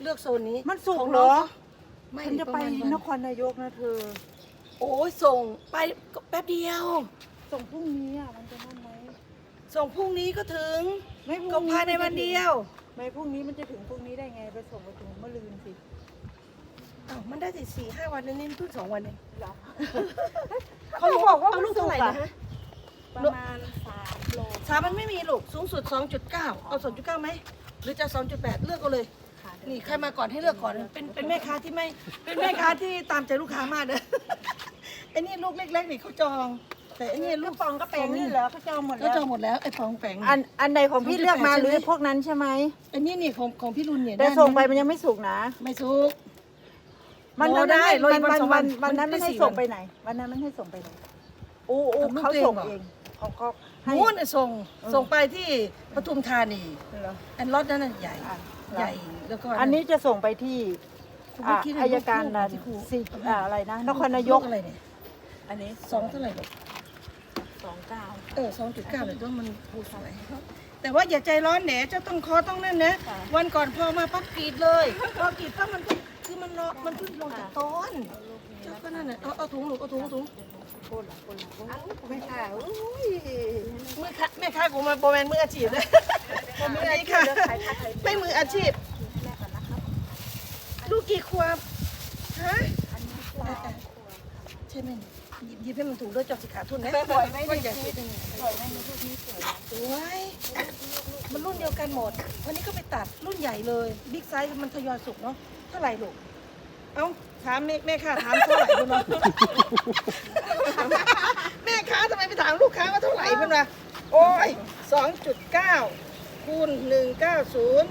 เลือกโซนนี้มันสุกของเหรน้อองไม่ฉันจะไปรมาณนครนายกนะเธอโอ้ยส่งไปแป๊บเดียวส่งพรุ่งนี้อ่ะมันจะนั่นไหมส่งพรุ่งนี้ก็ถึงไม่พก็รุ่งนี้ภายในวันเดียวไม่พรุ่งนี้มันจะถึงพรุ่งนี้ได้ไงไปส่งไปถึงเมื่อลืนสิอ้าวมันได้4-5 วันนี่เพิ่ง2 วันเองเหรอเขาบอกว่าลูกเท่าไหร่นะฮะประมาณ3 โล 3มันไม่มีลูกสูงสุด 2.9 เอา 2.9ไหมหรือจะ 2.8 เลือกเอาเลยค่ะนี่ใครมาก่อนให้เลือกก่อนเป็นแม่ค้าที่ไม่เป็นแม่ค้าที่ตามใจลูกค้ามากเลย ไอ้นี่ลูกเล็กๆนี่เขาจอง แต่ไอ้นี่ลูลูกกปองก็เป็นนี่เหรอเขาจองหมดเขาแล้วจองหมดแล้วไอ้ปองแปงอันใดของพี่เลือกมาหรือพวกนั้นใช่ไหมไอ้นี่ของพี่รุนเนี่ยแต่ส่งไปมันยังไม่สุกนะไม่สุกมันรอได้รออีกวันสองวันวันนั้นมัมัน นได้ให้ 4 ส่งวันไปไหน วันนั้นมันให้ส่งไปไหนอู้เอาลูกเขาตัวเองส่งเหรอเองเขาให้นู้นน่ะส่งไปที่ปทุมธานีเหรออันรถนั้นน่ะใหญ่อ่ะใหญ่แล้วก็อันนี้จะส่งไปที่คุณไม่คิดเลยอายการลูกนะที่ครูสิอะไรนะนครนายกอะไรเนี่ยอันนี้ 2เท่าไหร่ลูก 29 2.9เลยต้องมันผูสวยแต่ว่าอย่าใจร้อนแหนเจ้าต้องคอต้องนั่นนะค่ะวันก่อนพอมาปั๊บกรีดเลยพอกรีดปั๊บมันก็คือมันรอมันเพิ่งลงจากต้นเจ้าก็นั่นน่ะเอาถุงลูกเอาถุงพูดหลังไม่ค่ะอุ้ยมือค้าแม่ค้ากูมาโปรแมนมืออาชีพเลยมืออาชีพค่ะไม่มืออาชีพแม่ก่อนนะครับลูกกี่ขวบฮะอันนี้ใช่ไหมหยิบให้มันถูกด้วยจอบสิขาทุนนะสวยไหมก็นี่อย่าคิดสวยไหมในรูปนี้สวยโอ้ยมันรุ่นเดียวกันหมด วันนี้ก็ไปตัดรุ่นใหญ่เลยบิ๊กไซส์มันทยอยสุกเนาะเท่าไหร่ลูกเอ้าถามแม่ค้าถามเท่าไหร่คุณวะแม่ค้าทำไมไปถามลูกค้าว่าเท่าไหร่คุณวะโอ้ย2.9คูณ190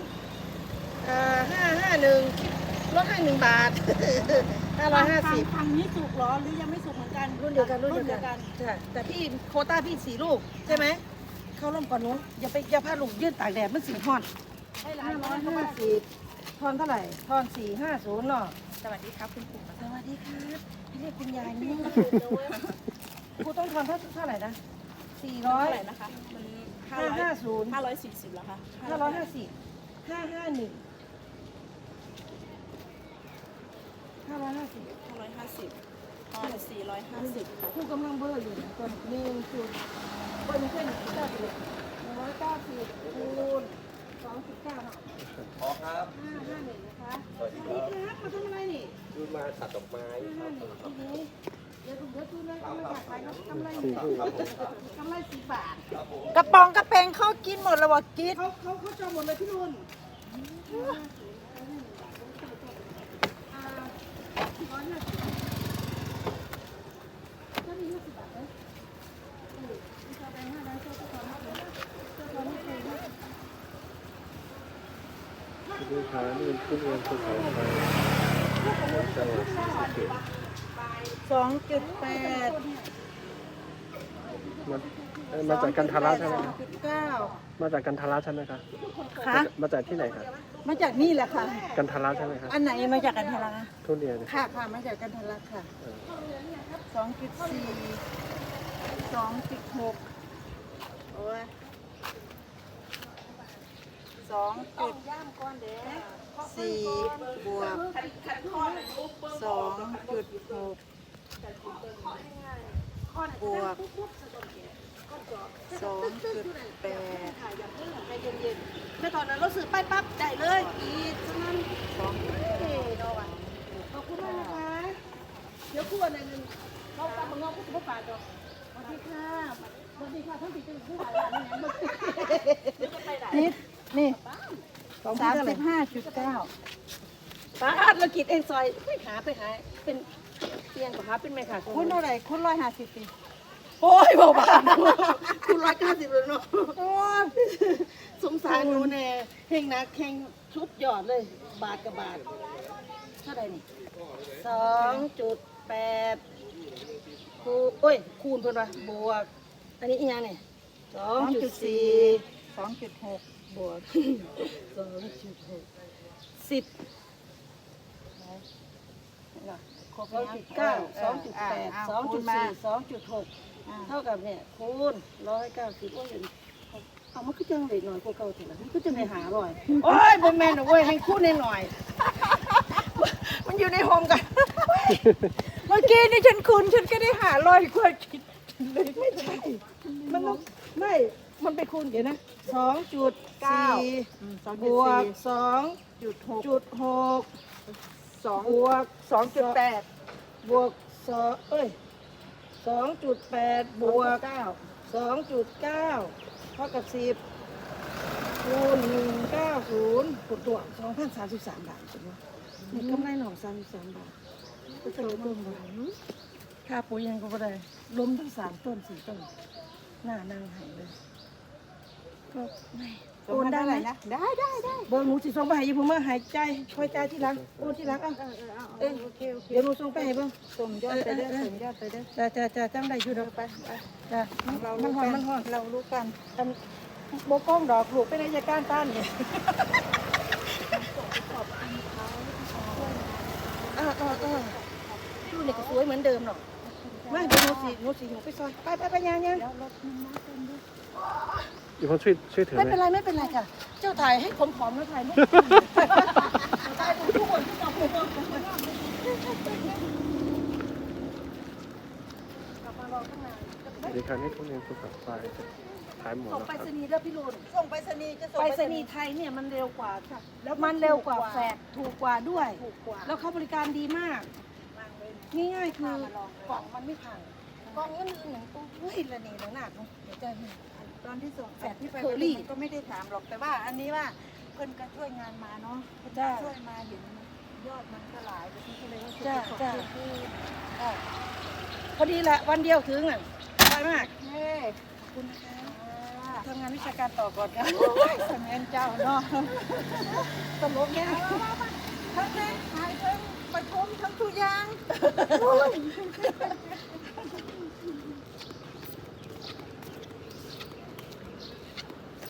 551ลดให้1 บาท 550 ทางนี้สุกเหรอหรือยังไม่สุกเหมือนกันรุ่นเดียวกันใช่แต่พี่โควต้าพี่4 ลูกใช่ไหมเข้าร่มก่อนนู้นอย่าพาลูกยืดตากแดดมันสีฮอดให้ร้านร้อย 550ทอนเท่าไหร่ทอน450เนาะสวัสดีครับคุณปู่สวัสดีครับพี่เรียกคุณยายนี่ครูต้องทอนเท่าไหร่นะเท่าไหร่ 400 นะคะมัน 550 540แล้วค่ะ 550 551 550 550ตอน450ค่ะครูกำลังเบอร์อยู่นะตอนนี้คือเบอร์ไม่ใช่190เลย190คูณ2.9เนาะอ๋อครับ 551นะคะสวัสดีครับมาทำอะไรนี่คือมาตัดดอกไม้ครับเดี๋ยวดูเลยกำไรขายกำไรกำไร10 บาทกระป๋องกระเปงเขากินหมดแล้ววะกินเขาจองหมดเลยพี่นุ่นลูกค้านี่เป็นผู้เรียนภูเขาไฟจังหวัดศรีสะเกษ 2.8 มาจากกันทาระใช่ไหมครับ 2.9 มาจากกันทาระใช่ไหมครับค่ะมาจากที่ไหนครับมาจากนี่แหละค่ะกันทาระใช่ไหมครับอันไหนมาจากกันทะลักทุเรียนค่ะค่ะมาจากกันทะลักค่ะ 2.4 2.6 โอ้ย2.4 บวก 2.6 บวก 2.8 แม่ตอนนั้นเราซื้อไปปั๊บได้เลยอีกฉะนั้นขอบคุณมากนะคะเดี๋ยวคู่อะไรนึงเขาตามมางอกก็จะปาดจอสวัสดีค่ะสวัสดีค่ะทั้งสี่จะผู้หลายร้านนี่นี่ 35.9 35.9 ป้าเรากินเองซอยไปหาเป็นเตียงกับหาเป็นแม่ค่ะคุณเท่าไหร่คุณ150ปีโอ้ยบอกบาทคุณ190เลยเนาะโอ้ยสงสารหนูแน่เฮงนะเฮงชุดยอดเลย บาทกับบาทเท่าไหร่นี่2.8คูณโอ้ยคูณเพิ่นว่าบวก อันนี้อีหยังเนี่ย2.4 2.6 บวก 2.6 10 ครบ 2.9 2.8 2.4 2.6 เท่ากับเนี่ยคูณ190โอ้ยเอาเอามันก็จังเลยหน่อยกว่าเก่าเถอะนะมันก็จะไปหาร่อยโอ้ยบ่แม่นเว้ยให้คู่หน่อยมันอยู่ในโฮมกันเมื่อกี้นี่ฉันก็ได้หาร่อยกว่าคิดเลยไม่ใช่มันต้องไม่มันไปคูณเดี๋ยวนะ2.4บวก2.6 บวก 2.8 บวก2.8 บวก 2.9 เท่ากับ10คูณ190กดตัว2,033 บาทใช่ไหมนี่กำไรหน่อ33 บาทก็จะลดต้นบ่ค่าปุ๋ยยังก็บ่ได้ล้มทั้ง3ต้น4ต้นหน้านางหายเลยก็ไม่โอนได้ไหมนะได้เบอร์หนูสิส่งไปให้อยู่ผมมาหายใจช่วยใจที่หลังโอนที่หลังอ่ะโอเคเดี๋ยวหนูส่งไปให้เบิ่งส่งยอดไปเด้อส่งยอดไปเด้อจะจังได้อยู่ดอกไปจ้ะเรามัรู้นหกัอนนมันหอนเรารู้กันอันโบกล้องดอกลูกเป็นอายการต้านเนี่ยดูนี่ก็สวยเหมือนเดิมหรอกมาเดี๋ยวหนูสิหนูไปซอยไปยังแล้วรถมันมาเต็มด้วยอีกคนช่วยถือไม่ไหมเป็นไรค่ะ เจ้าถ่ายให้ผมผอมแล้วถ่ายไม่ถ่ายทุกคนที่จับผมกลับมารอข้างในเดี๋ยวคราวนี้ทุเรียนภูเขาไฟจะขายหมดส่งแล้วไปครับรษณีย์เด้อพี่ลุนส่งไปรษณีย์จะส่งไปรษณีย์ไทยเนี่ยมันเร็วกว่าค่ะแล้วมันเร็วกว่าแฟกถูกกว่าด้วยถูกกว่าแล้วเขาบริการดีมากวางเลยง่ายๆคือมาลองเลยกล่องมันไม่พังกล่องอื่นๆอย่างตู้เฮ้ยระเนระนาดเนาะเดี๋ยวจะเห็นตอนที่ส่งแฟดที่ไปเคอรี่มันก็ไม่ได้ถามหรอกแต่ว่าอันนี้ว่าเพิ่นก็ช่วยงานมาเนาะจ้าช่วยมาเห็นยอดมันก็หลายไปที่ก็เลยว่าจ้าจ้าพอดีแหละวันเดียวถึงอ่ะได้มากเฮ้ขอบคุณนะคะทำงานวิชาการต่อก่อนค่ะสมัยเจ้าเนาะตลกแง่ทั้งเล่นขายทั้งประชุมทั้งทุกอย่าง